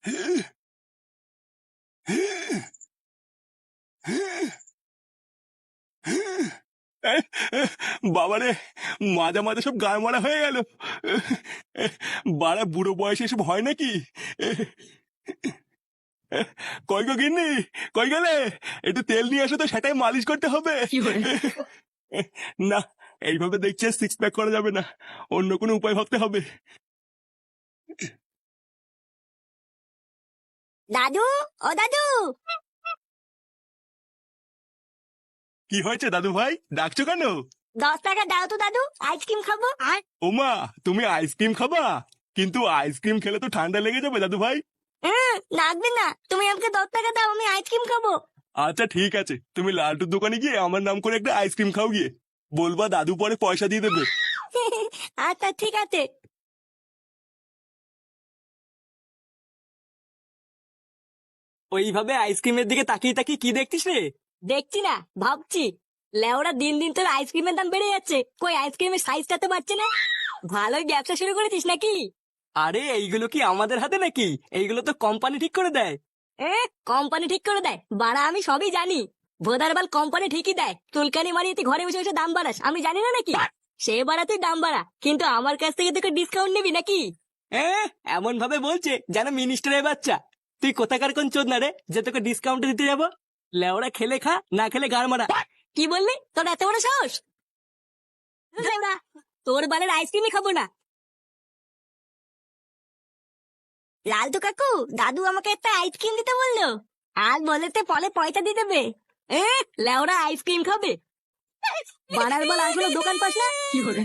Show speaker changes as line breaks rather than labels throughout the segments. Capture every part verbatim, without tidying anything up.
বাবারে, মাঝে মাঝে সব গায়ে মারা হয়ে গেল। বাড়া বুড়ো বয়সে এসব হয় নাকি? কই গো গিন্নি, কই গেলে? একটু তেল নিয়ে আসো তো, সেটাই মালিশ করতে হবে। না, এইভাবে দেখছি সিক্স প্যাক করা যাবে না, অন্য কোনো উপায় ভাবতে হবে।
দাদু, ও দাদু।
কি হয়েছে দাদু ভাই, ডাকছো কেন?
দশ টাকা দাও তো দাদু, আইসক্রিম খাবো।
ওমা, তুমি আইসক্রিম খাবা? কিন্তু আইসক্রিম খেলে তো ঠান্ডা লেগে যাবে দাদু ভাই।
হ্যাঁ, লাগবে না, তুমি আমাকে দশ টাকা দাও, আমি আইসক্রিম খাবো।
আচ্ছা ঠিক আছে, তুমি লালটুর দোকানে গিয়ে আমার নাম করে একটা আইসক্রিম খাও গিয়ে। বলবা দাদু পরে পয়সা দিয়ে দেবে।
আচ্ছা ঠিক আছে।
ওইভাবে আইসক্রিমের দিকে তাকিয়ে তাকিয়ে কি দেখছিস রে?
দেখছি না, ভাবছি। লেওরা দিন দিন তোর আইসক্রিমের দাম বেড়ে যাচ্ছে, কই আইসক্রিমের সাইজটা তো বাড়ছে না। ভালোই ব্যবসা শুরু করেছিস নাকি?
আরে এইগুলো কি আমাদের হাতে নাকি? এইগুলো তো কোম্পানি ঠিক করে দেয়।
এ, কোম্পানি ঠিক করে দেয়? বাড়া আমি সবই জানি। ভোদারবাল কোম্পানি ঠিকই দেয়, চুলকানি মারিয়ে তুই ঘরে বসে বসে দাম বাড়াস, আমি জানি না নাকি? সে বাড়া তুই দাম বাড়া, কিন্তু আমার কাছ থেকে তোকে ডিসকাউন্ট নিবি নাকি?
হ্যাঁ, এমন ভাবে বলছে যেন মিনিস্টারের বাচ্চা। তুই কোথাকার কোন চোদ না রে যে তোকে ডিসকাউন্ট দিতে যাবো? লেওরা খেলে খা, না খেলে গাড় মারা।
কি বললি? তোর এত বড় সাহস? লেওড়া, তোর বালের আইসক্রিমই খাবো না। লালটু কাকু, দাদু আমাকে একটা আইসক্রিম দিতে বললো, আর বলেতে পরে পয়সা দিয়ে দেবে। এ, লেওড়া আইসক্রিম খাবে? বানার বল আসলে দোকান পাস না? কি করে?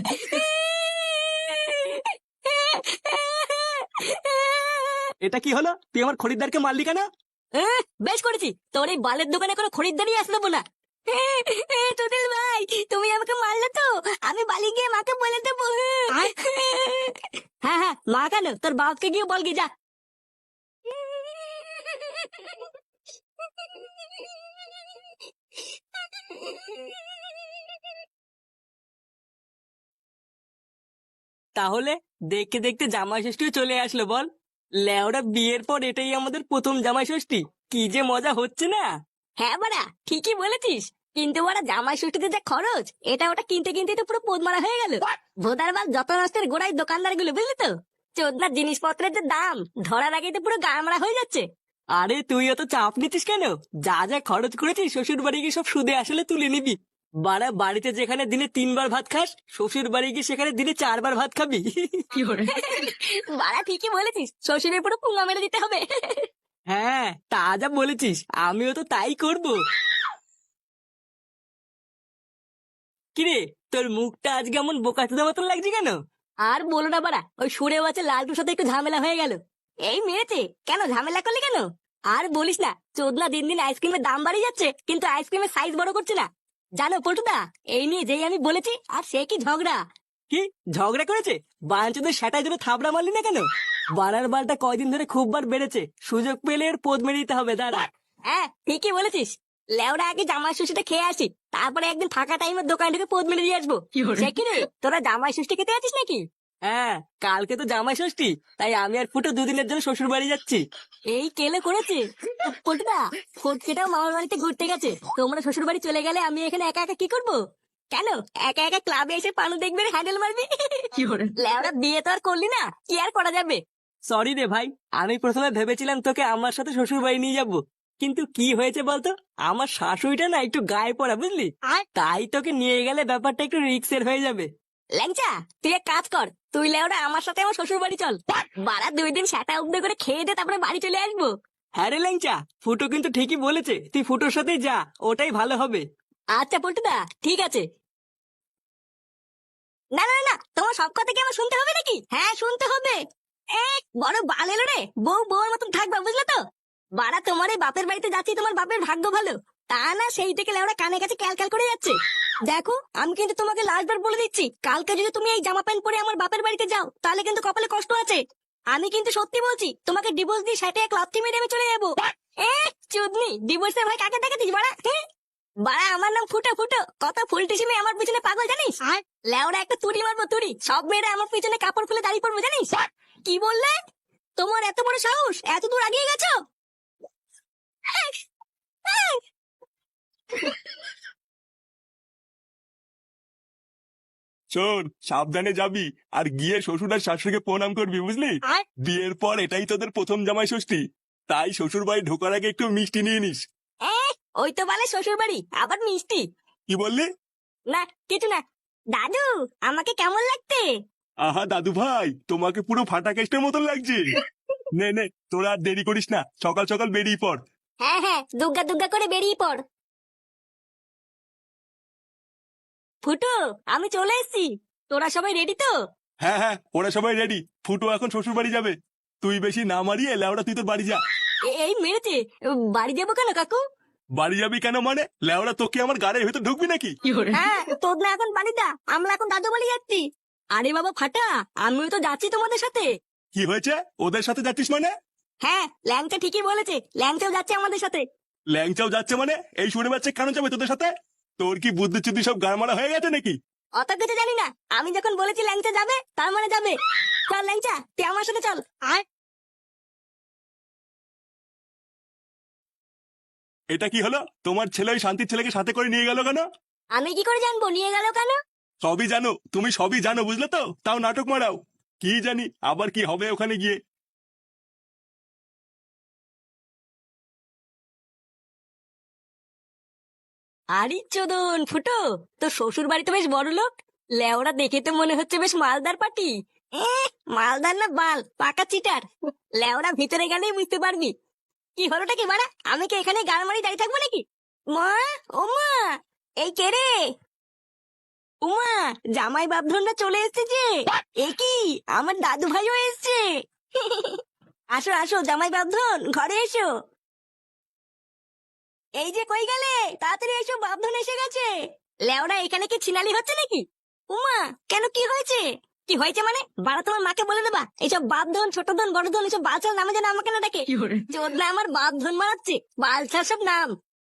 এটা কি হলো? তুই আমার খরিদ্দারকে মারলি কেন?
এ, বেশ করেছি, তোর এই বালের দোকানে কোনো খরিদ্দারই আসতে না। তোদের ভাই, তুমি আমাকে মারলে তো, আমি বালি গিয়ে মাকে বলে দেবো। হ্যাঁ হ্যাঁ, মা কেন, তোর বাপকে গিয়ে বল গিয়ে যা।
তাহলে দেখতে দেখতে জামাই ষষ্ঠীও চলে আসলো বল। লেওরা বিয়ের পর এটাই আমাদের প্রথম জামাই ষষ্ঠী, কি যে মজা হচ্ছে না।
হ্যাঁ বাড়া, ঠিকই বলেছিস, কিন্তু ওরা জামাই ষষ্ঠীতে যে খরচ, এটা ওটা কিনতে কিনতে তো পুরো পোদ মারা হয়ে গেল। ভোদার বাল যত নষ্টের গোড়ায় দোকানদার গুলো, বুঝলি তো? চোদনার জিনিসপত্রের যে দাম, ধরার আগেই তো পুরো গামড়া হয়ে যাচ্ছে।
আরে তুই অত চাপ নিচ্ছিস কেন? যা যা খরচ করেছিস শ্বশুর বাড়ি গিয়ে সব সুদে আসলে তুলে নিবি। বাড়া, বাড়িতে যেখানে দিনে তিনবার ভাত খাস, শ্বশুর বাড়ি গিয়ে সেখানে দিনে চারবার ভাত খাবি।
কি করে? বাড়া ঠিকই বলেছিস, শ্বশুরের পুরো পুঙ্গা মেরে দিতে হবে।
হ্যাঁ, তা যা বলেছিস, আমিও তো তাই করব। কিরে, তোর মুখটা আজকে এমন বোকাচোদা মতন লাগছে কেন?
আর বলো না বাড়া, ওই সুরে বাচ্চা লালটুর সাথে একটু ঝামেলা হয়ে গেল। এই মেরেছে কেন, ঝামেলা করলি কেন? আর বলিস না, চোদনা দিন দিন আইসক্রিমের দাম বাড়িয়ে যাচ্ছে, কিন্তু আইসক্রিমের সাইজ বড় করছে না। জানো পল্টুদা, এই নিয়ে যেই আমি বলেছি, আর সে কি ঝগড়া।
কি ঝগড়া করেছে? বাঞ্চদের সেটাই জন্য থাবড়া মারলি না কেন? বানার বালটা কয়দিন ধরে খুব বার বেড়েছে, সুযোগ পেলে এর পোদ মেরে দিতে হবে, দাঁড়া।
হ্যাঁ ঠিকই বলেছিস, লেওরা আগে জামাই ষষ্ঠীটা খেয়ে আসি, তারপরে একদিন ফাঁকা টাইমের দোকান থেকে পোদ মেরে দিয়ে আসবো। সে কি রে, তোরা জামাই ষষ্ঠী খেতে আছিস নাকি?
হ্যাঁ, কালকে তো জামাই ষষ্ঠী, তাই আমি আর ফুটো দুদিনের জন্য শ্বশুর বাড়ি যাচ্ছি।
এই কেলে করেছে পল্টুদা, ফটকেটাও মামার বাড়িতে ঘুরতে গেছে, তোমরা শ্বশুর বাড়ি চলে গেলে আমি এখানে একা একা কি করবো? কেন একা একা ক্লাবে এসে পানু দেখবে, হ্যান্ডেল মারবি? কি করে? লেওরা বিয়ে তো আর করলি না, কি আর করা যাবে।
সরি রে ভাই, আমি প্রথমে ভেবেছিলাম তোকে আমার সাথে শ্বশুর বাড়ি নিয়ে যাবো, কিন্তু কি হয়েছে বলতো, আমার শাশুড়িটা না একটু গায়ে পড়া, বুঝলি? তাই তোকে নিয়ে গেলে ব্যাপারটা একটু রিক্সের হয়ে যাবে।
ল্যাংচা, তুই এক কাজ কর, তুই লেওরা আমার সাথে আমার শ্বশুর বাড়ি চল, বারা দুই দিন সেটা উদ্যোগ করে খেয়ে দে, তারপরে বাড়ি চলে আসবো।
হ্যাঁ রে ল্যাংচা, ফুটো কিন্তু ঠিকই বলেছে, তুই ফুটোর সাথেই যা, ওটাই ভালো হবে।
আচ্ছা পল্টুদা, ঠিক আছে। না না না, তোমার সব কথা কি আমার শুনতে হবে নাকি? হ্যাঁ শুনতে হবে। এ, বড় বাল এলো রে, বউ বউর মতন থাকবা, বুঝলে তো? বাড়া তোমার এই বাপের বাড়িতে যাচ্ছি, তোমার বাপের ভাগ্য ভালো, তা না সেই থেকে লেওরা কানে কাছে ক্যাল ক্যাল করে যাচ্ছে। দেখো, আমি কিন্তু তোমাকে লাস্টবার বলে দিচ্ছি, কালকে যদি তুমি এই জামা প্যান্ট পরে আমার বাপের বাড়িতে যাও, তাহলে কিন্তু কপালে কষ্ট আছে। আমি কিন্তু সত্যি বলছি, তোমাকে ডিভোর্স দিয়ে সেটা এক লাথি মেরে আমি চলে যাবো। এ চুদনি, ডিভোর্সের ভয় কাকে দেখাতিস বাড়া? হ্যাঁ? বাড়া আমার নাম ফুটো ফুটো, কত ফুলটিসি মেয়ে আমার পিছনে পাগল জানিস? লেওরা একটা তুড়ি মারবো তুড়ি, সব মেয়েরা আমার পিছনে কাপড় খুলে দাঁড়িয়ে পড়বো জানিস? কি বললে? তোমার এত বড় সাহস, এত দূর আগিয়ে গেছো?
শোন, সাবধানে যাবি, আর গিয়ে শ্বশুর আর শাশুড়িকে প্রণাম করবি, বুঝলি?
আর
বিয়ের পর এটাই তোদের প্রথম জামাই ষষ্ঠী, তাই শ্বশুর বাড়ি ঢোকার আগে একটু মিষ্টি নিয়ে নিস।
এ, ওই তো বলে শ্বশুর বাড়ি, আবার মিষ্টি?
কি বললি?
না কিছু না। দাদু, আমাকে কেমন লাগতে?
আহা দাদু ভাই, তোমাকে পুরো ফাটা কেস্টের মতন লাগছে। নে নে, তোরা আর দেরি করিস না, সকাল সকাল বেরিয়ে পড়।
হ্যাঁ হ্যাঁ, দুগ্গা দুগ্গা করে বেরিয়ে পড়। ফুটো, আমি চলে এসেছি। তোরা সবাই রেডি তো?
হ্যাঁ হ্যাঁ, ওরা সবাই রেডি। ফুটো এখন শ্বশুর বাড়ি যাবে, তুই বেশি না মারিয়ে লেওড়া তুই তোর বাড়ি যা।
এ- এই মেরেছে। বাড়ি যাবো কেন কাকু?
বাড়ি যাবি কেন মানে? লেওড়া তোকে আমার গাড়ির ভেতর ঢুকবি নাকি?
হ্যাঁ, তোর না এখন বাড়ি দা, আমরা এখন দাদু বাড়ি যাচ্ছি। আরে বাবা ফাটা, আমিও তো যাচ্ছি তোমাদের সাথে।
কি হয়েছে? ওদের সাথে যাচ্ছিস মানে?
হ্যাঁ, ল্যাংচা ঠিকই বলেছে, ল্যাংচাও যাচ্ছে আমাদের সাথে।
ল্যাংচাও যাচ্ছে মানে? এই শুনে বাচ্চা কেন যাবে তোদের সাথে? তোর কি বুদ্ধি চুদ্ধি সব গাড়মারা হয়ে গেছে নাকি?
অত কিছু জানি না, আমি যখন বলেছি ল্যাংচা যাবে তার মানে যাবে। চল ল্যাংচা, তুই আমার সাথে চল। আর
এটা কি হলো? তোমার ছেলে ওই শান্তির ছেলেকে সাথে করে নিয়ে গেল কেন?
আমি কি করে জানবো নিয়ে গেল কেন?
সবই জানো, তুমি সবই জানো, বুঝলে তো, তাও নাটক মারাও। কি জানি আবার কি হবে ওখানে গিয়ে।
আরে চোদন ফুটো, তো শ্বশুর বাড়ি তো বেশ বড় লোক। লেওরা দেখে তো মনে হচ্ছে বেশ মালদার পাটি। এ, মালদার না বাল, পাকা চিটার। লেওরা ভিতরে গেলেই বুঝতে পারবি। কি হলোটা কি বাড়া, আমি কি এখানে গান মারি দাঁড়িয়ে থাকবো নাকি? মা, ও মা, এই কে রে? উমা, জামাই বাপধনরা চলে এসেছে যে। এ কি, আমার দাদু ভাইও এসছে। আসো আসো জামাই বাপধন, ঘরে এসো। এই যে কই গেলে, তাড়াতাড়ি এসো, বাপধন এসে গেছে। লেওরা এখানে কি ছিনালি হচ্ছে নাকি? উমা, কেন কি হয়েছে? কি হয়েছে মানে? বাড়া তোমার মাকে বলে দেবা এইসব বাপধন, ছোট ধন, বড় ধন, এইসব বালছাল নামে যেন আমাকে না ডাকে। চোদনা আমার বাপধন মারাচ্ছে, বালছাল সব নাম।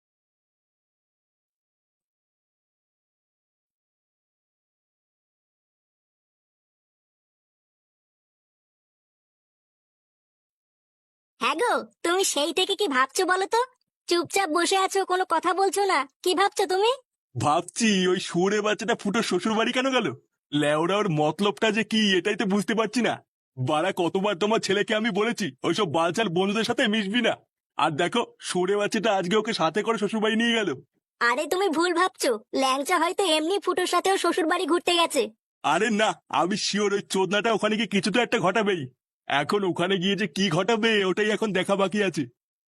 হ্যাঁ গো, তুমি সেই থেকে কি ভাবছো বলো তো? চুপচাপ বসে আছো, কোনো কথা বলছো না, কি ভাবছো তুমি?
ভাবছি ওই সুরে বাচ্চাটা ফুটো শ্বশুর বাড়ি কেন গেল। লেওড়া ওর মতলবটা যে কি এটাই তো বুঝতে পারছি না। বাড়া কতবার তোমার ছেলেকে আমি বলেছি ওইসব বালচাল বন্ধুদের সাথে মিশবি না, আর দেখো সুরে বাচ্চাটা আজকে ওকে সাথে করে শ্বশুর বাড়ি নিয়ে গেল।
আরে তুমি ভুল ভাবছো, ল্যাংচা হয়তো এমনি ফুটোর সাথেও শ্বশুর বাড়ি ঘুরতে গেছে।
আরে না, আমি শিওর ওই চোদনাটা ওখানে গিয়ে কিছু তো একটা ঘটাবেই। এখন ওখানে গিয়ে যে কি ঘটাবে ওটাই এখন দেখা বাকি আছে।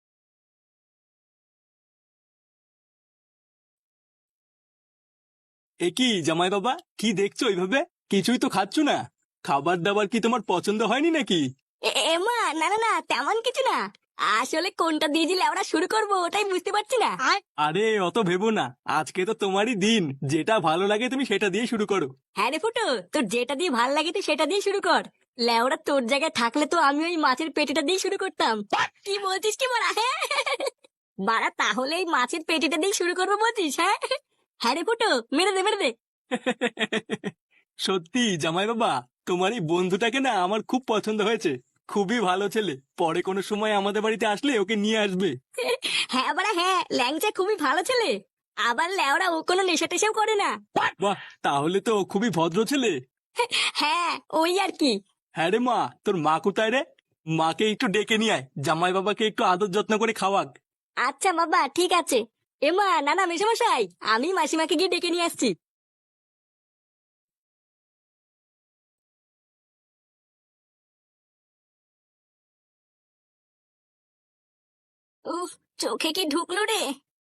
এ কি জামাই বাবা, কি দেখছো ওইভাবে? কিছুই তো খাচ্ছ না। খাবার দাবার কি তোমার পছন্দ হয়নি নাকি?
এ- এমা, না না না, তেমন কিছু না। আসলে কোনটা দিয়ে দিলে আমরা শুরু করবো ওটাই বুঝতে পারছি না।
আরে অত ভেবো না, আজকে তো তোমারই দিন, যেটা ভালো লাগে তুমি সেটা দিয়ে শুরু করো।
হ্যাঁ রে ফুটো, তোর যেটা দিয়ে ভাল লাগে তুই সেটা দিয়ে শুরু কর। লেওরা তোর জায়গায় থাকলে তো আমি ওই মাছের পেটিটা দিয়ে শুরু করতাম। কি বলছিস কি বলা? হ্যাঁ বাড়া, তাহলে এই মাছের পেটিটা দিয়ে শুরু করবো বলছিস? হ্যাঁ হ্যাঁ রে ফুটো, মেরে দে মেরে দে।
সত্যি জামাই বাবা, তোমার এই বন্ধুটাকে না আমার খুব পছন্দ হয়েছে। খুবই ভালো ছেলে, পরে কোনো সময় আমাদের বাড়িতে আসলে ওকে নিয়ে আসবে।
হ্যাঁ বাড়া হ্যাঁ, ল্যাংচা খুবই ভালো ছেলে। আবার লেওরা ও কোনো নেশা টেশাও করে না।
বাহ, তাহলে তো ও খুবই ভদ্র ছেলে।
হ্যাঁ, ওই আর কি।
হ্যাঁ রে মা, তোর মা কোথায় রে? মাকে একটু ডেকে নিয়ে আয়, জামাই বাবাকে একটু আদর যত্ন করে খাওয়াক।
আচ্ছা বাবা, ঠিক আছে। এমা, না না মেশামশাই, আমি মাসিমাকে গিয়ে ডেকে নিয়ে আসছি। উফ, চোখে কি ঢুকলো রে?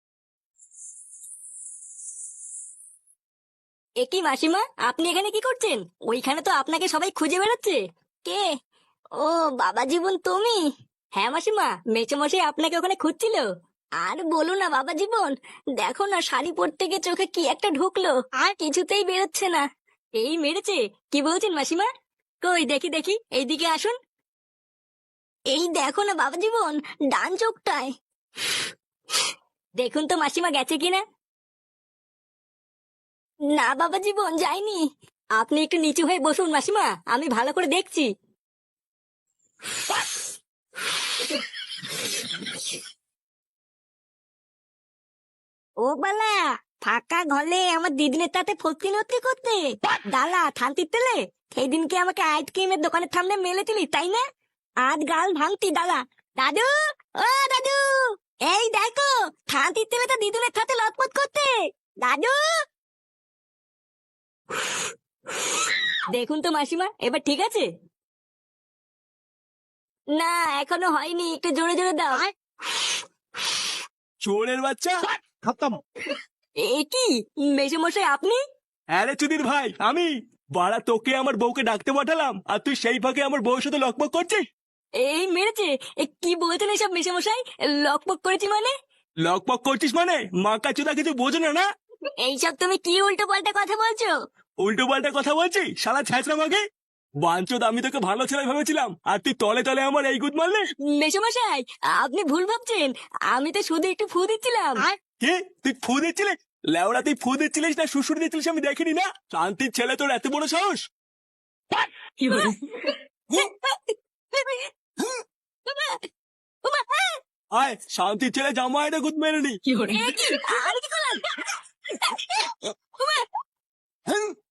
এ কি মাসিমা, আপনি এখানে কি করছেন? ওইখানে তো আপনাকে সবাই খুঁজে বেড়াচ্ছে। কে? ও, বাবা জীবন তুমি? হ্যাঁ মাসিমা, মেচোমশাই আপনাকে ওখানে খুঁজছিল। আর বলো না বাবা জীবন, দেখো না শাড়ি পরতে গিয়ে চোখে কি একটা ঢুকলো, আর কিছুতেই বেরোচ্ছে না। এই মেরেছে? কি বলছেন মাসিমা? কই দেখি দেখি, এইদিকে আসুন। এই দেখো না বাবা জীবন, ডান চোখটায়। দেখুন তো মাসিমা গেছে কিনা। না বাবা জীবন, যায়নি। আপনি একটু নিচু হয়ে বসুন মাসিমা, আমি ভালো করে দেখছি। ও বালা, ফাঁকা ঘরে আমার দিদিনের তাতে ফক্তি নত্তি করতে ডালা থানতির তেলে সেই দিনকে আমাকে আইসক্রিমের দোকানের সামনে মেলেছিলি তাই না? আজ গাল ভাঙতি ডালা। দাদু, ও দাদু, এই দেখো থানতির তেলে তো দিদুনের সাথে লটপট করতে। দাদু, দেখুন তো মাসিমা, এবার ঠিক আছে? না এখনো হয়নি, একটু জোরে জোরে দাও।
চোরের বাচ্চা, খতম।
এ কি মেসোমশাই আপনি?
হ্যাঁ রে চুদির ভাই, আমি। বাড়া তোকে আমার বউকে ডাকতে পাঠালাম আর তুই সেই ফাঁকে আমার বউয়ের সাথে লকপক করছিস।
এই মেরেছে? এ কি বলছেন এসব মেসোমশাই? লকপক করেছি মানে?
লকপক করছিস মানে মাকা চুদা কিছু বোঝো না না?
এইসব তুমি কি উল্টো পাল্টা কথা বলছো?
উল্টো পাল্টা কথা বলছি শালা ছ্যাঁচড়া মাগে। বাঞ্চোদ, আমি তোকে ভালো ছেলে ভেবেছিলাম আর তুই তলে তলে আমার এই গুদ মারলে।
মেসোমশাই আপনি ভুল ভাবছেন, আমি তো শুধু একটু ফু দিচ্ছিলাম।
কে? তুই ফু দিচ্ছিলিস? লেওড়া তুই ফু দিচ্ছিলিস না শ্বশুর দিচ্ছিলিস আমি দেখিনি না। শান্তির ছেলে, তোর এত বড় সাহস? আয় শান্তির ছেলে, জামা এটা গুদ মেরে নি।
এ কি? আমি কি করলাম?